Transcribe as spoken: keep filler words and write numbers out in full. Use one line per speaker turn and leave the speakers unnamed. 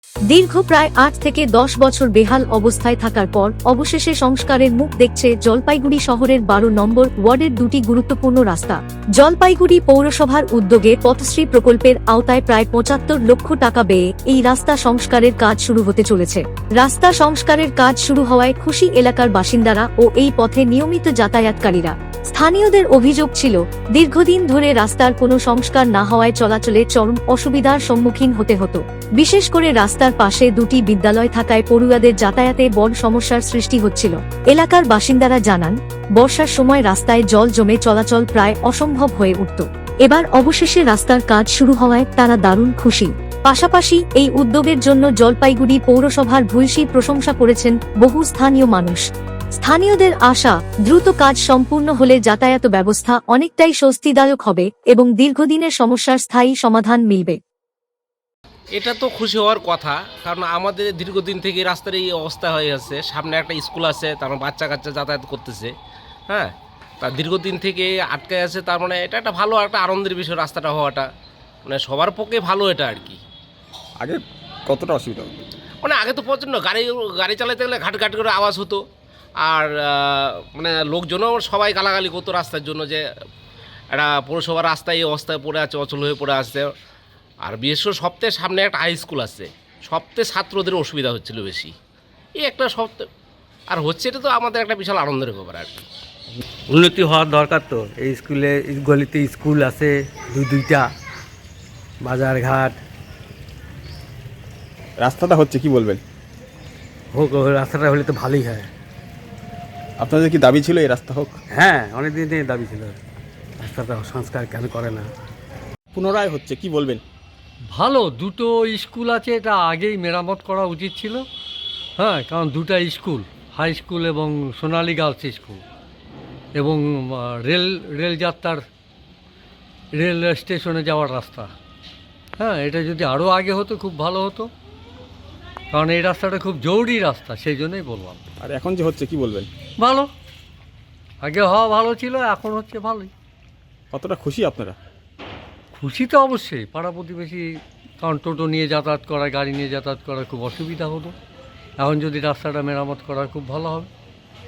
দীর্ঘ প্রায় আট থেকে দশ বছর বেহাল অবস্থায় থাকার পর অবশেষে সংস্কারের মুখ দেখছে জলপাইগুড়ি শহরের বারো নম্বর ওয়ার্ডের দুটি গুরুত্বপূর্ণ রাস্তা। জলপাইগুড়ি পৌরসভার উদ্যোগে পথশ্রী প্রকল্পের আওতায় প্রায় পঁচাত্তর লক্ষ টাকা ব্যয়ে এই রাস্তা সংস্কারের কাজ শুরু হতে চলেছে। রাস্তা সংস্কারের কাজ শুরু হওয়ায় খুশি এলাকার বাসিন্দারা ও এই পথে নিয়মিত যাতায়াতকারীরা। স্থানীয়দের অভিযোগ ছিল, দীর্ঘদিন ধরে রাস্তার কোনো সংস্কার না হওয়ায় চলাচলে চরম অসুবিধার সম্মুখীন হতে হতো। বিশেষ করে রাস্তার পাশে দুটি বিদ্যালয় থাকায় পড়ুয়াদের যাতায়াতে বড় সমস্যার সৃষ্টি হচ্ছিল। এলাকার বাসিন্দারা জানান, বর্ষার সময় রাস্তায় জল জমে চলাচল প্রায় অসম্ভব হয়ে উঠত। এবার অবশেষে রাস্তার কাজ শুরু হওয়ায় তারা দারুণ খুশি। পাশাপাশি এই উদ্যোগের জন্য জলপাইগুড়ি পৌরসভার ভূয়সী প্রশংসা করেছেন বহু স্থানীয় মানুষ। স্থানীয়দের আশা, দ্রুত কাজ সম্পূর্ণ হলে যাতায়াত ব্যবস্থা অনেকটাই স্বস্তিদায়ক হবে এবং দীর্ঘদিনের সমস্যার স্থায়ী সমাধান মিলবে।
এটা তো খুশি হওয়ার কথা, কারণ আমাদের দীর্ঘদিন থেকে রাস্তার এই অবস্থা হয়ে আছে। সামনে একটা স্কুল আছে, তার মানে বাচ্চা কাচ্চা যাতায়াত করতেছে, হ্যাঁ, তার দীর্ঘদিন থেকে আটকে আছে। তার মানে এটা একটা ভালো একটা আনন্দের বিষয় রাস্তাটা হওয়াটা, মানে সবার পক্ষে ভালো এটা আর কি।
আগে কতটা অসুবিধা হতো?
মানে আগে তো প্রচণ্ড গাড়ি গাড়ি চালাতে গেলে ঘাট ঘাট করে আওয়াজ হতো, আর মানে লোকজনও সবাই গালাগালি করতো রাস্তার জন্য, যে একটা পৌরসভার রাস্তায় এই অবস্থায় পড়ে আছে, অচল হয়ে পড়ে আসছে। আর বিশেষ করে সপ্তাহে সামনে একটা হাই স্কুল আছে, সপ্তাহে ছাত্রদের অসুবিধা হচ্ছিল বেশি। এই একটা সপ্তাহ আর হচ্ছে, এটা তো আমাদের একটা বিশাল আনন্দের ব্যাপার আর কি।
উন্নতি হওয়ার দরকার তো। এই স্কুলে গলিতে স্কুল আছে দুই দুইটা, বাজার ঘাট।
রাস্তাটা হচ্ছে, কি বলবেন?
হোক, রাস্তাটা হলে তো ভালোই হয়।
আপনাদের কি দাবি ছিল এই রাস্তা হোক?
হ্যাঁ, অনেক দিন থেকে দাবি ছিল, রাস্তাটা সংস্কার কেন করে না।
পুনরায় হচ্ছে, কি বলবেন?
ভালো, দুটো স্কুল আছে, এটা আগেই মেরামত করা উচিত ছিল। হ্যাঁ, কারণ দুটো স্কুল, হাই স্কুল এবং সোনালী গার্লস স্কুল, এবং রেল রেল যাত্রার রেল স্টেশনে যাওয়ার রাস্তা। হ্যাঁ, এটা যদি আরও আগে হতো খুব ভালো হতো, কারণ এই রাস্তাটা খুব জরুরি রাস্তা, সেই জন্যই বললাম।
আর এখন যে হচ্ছে, কি বলবেন?
ভালো, আগে হওয়া ভালো ছিল, এখন হচ্ছে ভালোই।
কতটা খুশি আপনারা?
খুশি তো অবশ্যই, পাড়া প্রতিবেশী, কারণ টোটো নিয়ে যাতায়াত করা, গাড়ি নিয়ে যাতায়াত করা খুব অসুবিধা হতো। এখন যদি রাস্তাটা মেরামত করা খুব ভালো হবে।